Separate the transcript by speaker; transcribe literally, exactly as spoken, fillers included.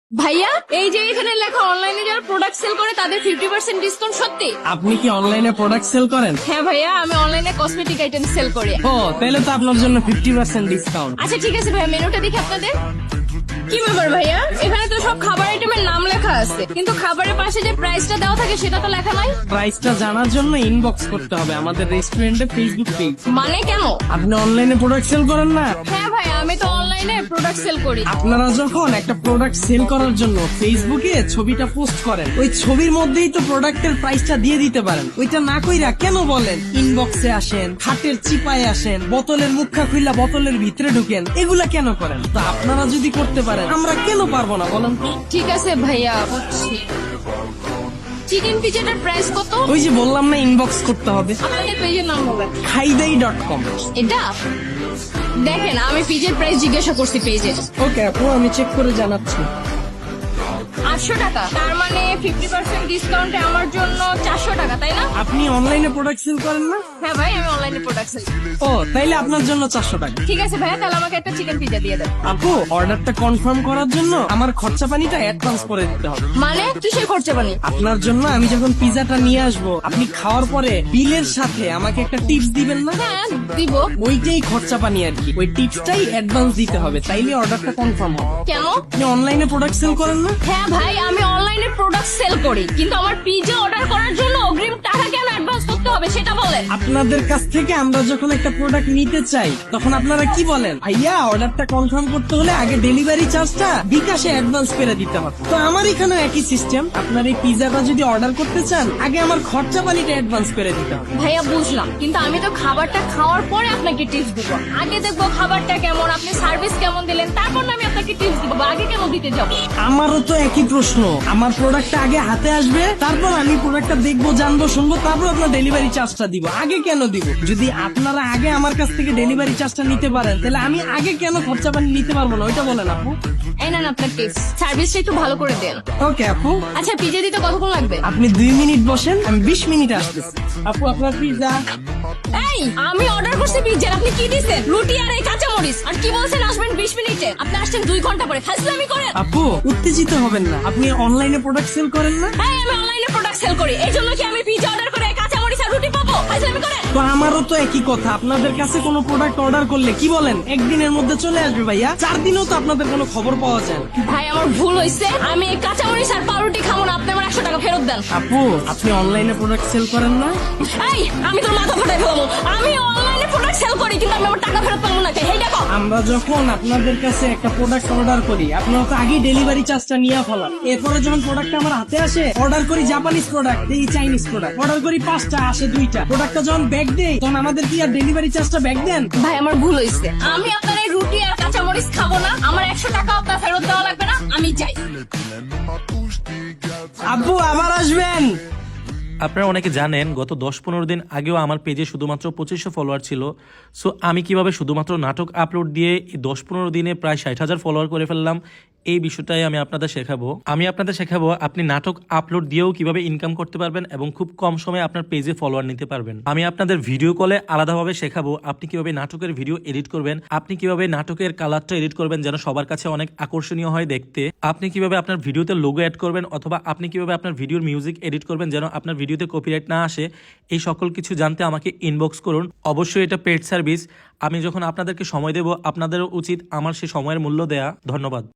Speaker 1: ভাইয়া এই যে এখানে লেখা অনলাইনে যারা প্রোডাক্ট সেল করে তাদের ফিফটি পার্সেন্ট ডিসকাউন্ট সত্যি?
Speaker 2: আপনি কি অনলাইনে প্রোডাক্ট সেল করেন?
Speaker 1: হ্যাঁ ভাইয়া, আমি অনলাইনে কসমেটিক আইটেম সেল করি।
Speaker 2: ও তাহলে তো আপনার জন্য ফিফটি পার্সেন্ট ডিসকাউন্ট।
Speaker 1: আচ্ছা ঠিক আছে ভাইয়া, মেনুটা দেখি আপনাদের। কি ব্যাপার ভাইয়া, এখানে তো সব খাবার আইটেমের নাম লেখা আছে, কিন্তু খাবারের পাশে যে প্রাইসটা দেওয়া থাকে সেটা তো লেখা নাই।
Speaker 2: প্রাইসটা জানার জন্য ইনবক্স করতে হবে আমাদের রেস্টুরেন্টে ফেসবুক পেজ।
Speaker 1: মানে কেন?
Speaker 2: আপনি অনলাইনে প্রোডাক্ট সেল করেন না?
Speaker 1: হ্যাঁ ভাইয়া, আমি তো অনলাইনে প্রোডাক্ট সেল করি।
Speaker 2: আপনারা যখন একটা প্রোডাক্ট সেল করার জন্য ফেসবুকে ছবিটা পোস্ট করেন, ওই ছবির মধ্যেই তো প্রোডাক্টের প্রাইসটা দিয়ে দিতে পারেন। ওইটা না কইরা কেন বলেন ইনবক্সে আসেন, খাটের চিপায় আসেন, বোতলের মুখা খুললা বোতলের ভিতরে ঢুকেন? এগুলা কেন করেন? তো আপনারা যদি করতে পারেন আমরা কেন পারবো না বলেন তো?
Speaker 1: ঠিক আছে ভাইয়া, বুঝছি। চিকেন পিজাটার প্রাইস কত?
Speaker 2: ওই যে বললাম না ইনবক্স করতে হবে।
Speaker 1: আপনাদের পেজের নাম হবে
Speaker 2: খাইদাই ডট কম।
Speaker 1: এটা দেখেন, আমি পিজের প্রাইস জিজ্ঞাসা করছি পেজে।
Speaker 2: ওকে আপু, আমি চেক করে জানাচ্ছি।
Speaker 1: আটশো টাকা, তার মানে ফিফটি পার্সেন্ট ডিসকাউন্টে আমার জন্য চারশো টাকা, তাই না?
Speaker 2: আপনি অনলাইনে প্রোডাক্ট সেল করেন না?
Speaker 1: হ্যাঁ ভাই, আমি অনলাইনে প্রোডাক্ট সেল।
Speaker 2: ও তাইলে আপনার জন্য চারশো টাকা।
Speaker 1: ঠিক আছে ভাইয়া, তাহলে আমাকে একটা চিকেন পিজা দিয়ে দেন।
Speaker 2: আপু অর্ডারটা কনফার্ম করার জন্য আমার খরচা পানিটা অ্যাডভান্স করে দিতে হবে।
Speaker 1: মানে কিসের খরচা বানি?
Speaker 2: আপনার জন্য আমি যখন পিজাটা নিয়ে আসবো, আপনি খাওয়ার পরে বিলের সাথে আমাকে একটা টিপস দিবেন না?
Speaker 1: হ্যাঁ দিব।
Speaker 2: ওইটাই খরচা পানি আর কি, ওই টিপসটাই অ্যাডভান্স দিতে হবে, তাইলে অর্ডারটা কনফার্ম হবে।
Speaker 1: কেন?
Speaker 2: আপনি অনলাইনে প্রোডাক্ট সেল করেন না?
Speaker 1: হ্যাঁ ভাই, আমি অনলাইনে প্রোডাক্ট সেল করি, কিন্তু আমার পিজা অর্ডার করার জন্য অগ্রিম টাকা কেন অ্যাডভান্স করতে হবে সেটা বলেন।
Speaker 2: আপনাদের কাছ থেকে আমরা যখন একটা প্রোডাক্ট নিতে চাই তখন আপনারা কি বলেন, ভাইয়া অর্ডারটা কনফার্ম করতে হলে আগে ডেলিভারি চার্জটা বিকাশে অ্যাডভান্স করে দিতে হবে। তো আমার এখানেও একই সিস্টেম, আপনার এই পিজাটা যদি অর্ডার করতে চান আগে আমার খরচা পানিটা অ্যাডভান্স করে দিতে হবে।
Speaker 1: ভাইয়া বুঝলাম, কিন্তু আমি তো খাবারটা খাওয়ার পরে আপনাকে টিপস দিব। আগে দেখবো খাবারটা কেমন, আপনি সার্ভিস কেমন দিলেন, তারপর না আমি আপনাকে টিপস দিব। আগে কেন দিতে যাবো?
Speaker 2: আমারও তো একই প্রশ্ন, আমার প্রোডাক্টটা আগে হাতে আসবে, তারপর আমি প্রোডাক্টটা দেখবো, জানবো, শুনবো, তারপর আপনার ডেলিভারি চার্জটা দিব। আগে কেন দিব? যদি আপনারা আগে আমার কাছ থেকে ডেলিভারি চার্জটা নিতে পারেন তাহলে আমি আগে কেন খরচা পানি নিতে পারবো না? ওইটা বলেন আপু।
Speaker 1: এই নেন আপনার টিপস, সার্ভিসটা একটু ভালো করে দেন।
Speaker 2: ওকে আপু,
Speaker 1: আচ্ছা পিজা দিতে কতক্ষণ লাগবে?
Speaker 2: আপনি দুই মিনিট বসেন, আমি বিশ মিনিট আসতেছি। আপু আপনার পিজা।
Speaker 1: এই আমি অর্ডার করছি পিজা, আপনি কি দিছেন? রুটি আর এই কাঁচা মরিচ, আর কি বলছেন আসবেন বিশ মিনিটে? আপনি আসছেন দুই ঘন্টা পরে, ফাজলামি করেন।
Speaker 2: আপু উত্তেজিত হবেন না, আপনি অনলাইনে প্রোডাক্ট সেল করেন না?
Speaker 1: হ্যাঁ আমি অনলাইনে প্রোডাক্ট সেল করি, এই জন্য কি আমি পিজা অর্ডার করে কাঁচা মরিচ আর রুটি পাবো? ফাজলামি করেন।
Speaker 2: তো আমারও তো একই কথা, আপনাদের কাছে কোনো প্রোডাক্ট অর্ডার করলে কি বলেন একদিনের মধ্যে চলে আসবে ভাইয়া, চার দিনেও তো আপনাদের কোনো খবর পাওয়া যায় না।
Speaker 1: ভাই আমার ভুল হয়েছে, আমি এই কাঁচা মরিচ আর পাউরুটি খাবো না, আপনি আমার একশো টাকা ফেরত দেন।
Speaker 2: আপু আপনি অনলাইনে প্রোডাক্ট সেল করেন না?
Speaker 1: এই আমি তোর মাথা ফাটাই ফেলবো, আমি অনলাইনে প্রোডাক্ট সেল করি, কিন্তু আমি আমার টাকা ফেরত পাবো না। এই দেখো,
Speaker 2: আমরা যখন আপনাদের কাছে একটা প্রোডাক্ট অর্ডার করি আপনারা তো আগেই ডেলিভারি চার্জটা নিয়ে ফেলান, এরপরে যখন প্রোডাক্টটা আমার হাতে আসে, অর্ডার করি জাপানিজ প্রোডাক্ট, এই চাইনিজ প্রোডাক্ট অর্ডার করি পাঁচটা, আসে দুইটা। প্রোডাক্টটা যখন ব্যাগ দেই তখন আমাদের কি আর ডেলিভারি চার্জটা ব্যাগ দেন?
Speaker 1: ভাই আমার ভুল হয়েছে, আমি আপনার এই রুটি আর কাঁচা মরিচ খাবো না, আমার একশো টাকা আপনার ফেরত দেওয়া লাগবে না, আমি যাই।
Speaker 2: আব্বু আবার আসবেন।
Speaker 3: আপনারা অনেকে জানেন গত দশ পনেরো দিন আগেও আমার পেজে শুধুমাত্র পঁচিশশো ফলোয়ার ছিল। সো আমি কিভাবে শুধুমাত্র নাটক আপলোড দিয়ে এই দশ পনেরো দিনে প্রায় ষাট হাজার ফলোয়ার করে ফেললাম, এই বিষয়টাই আমি আপনাদের শেখাবো। আমি আপনাদের শেখাবো আপনি নাটক আপলোড দিয়েও কিভাবে ইনকাম করতে পারবেন এবং খুব কম সময়ে আপনার পেজে ফলোয়ার নিতে পারবেন। আমি আপনাদের ভিডিও কলে আলাদাভাবে শেখাবো আপনি কিভাবে নাটকের ভিডিও এডিট করবেন, আপনি কিভাবে নাটকের কালারটা এডিট করবেন যেন সবার কাছে অনেক আকর্ষণীয় হয় দেখতে, আপনি কিভাবে আপনার ভিডিওতে লোগো অ্যাড করবেন, অথবা আপনি কিভাবে আপনার ভিডিওর মিউজিক এডিট করবেন যেন আপনার ভিডিওতে কপিরাইট না আসে। এই সকল কিছু জানতে আমাকে ইনবক্স করুন। অবশ্যই এটা পেড সার্ভিস, আমি যখন আপনাদেরকে সময় দেব আপনাদেরও উচিত আমার সেই সময়ের মূল্য দেয়া। ধন্যবাদ।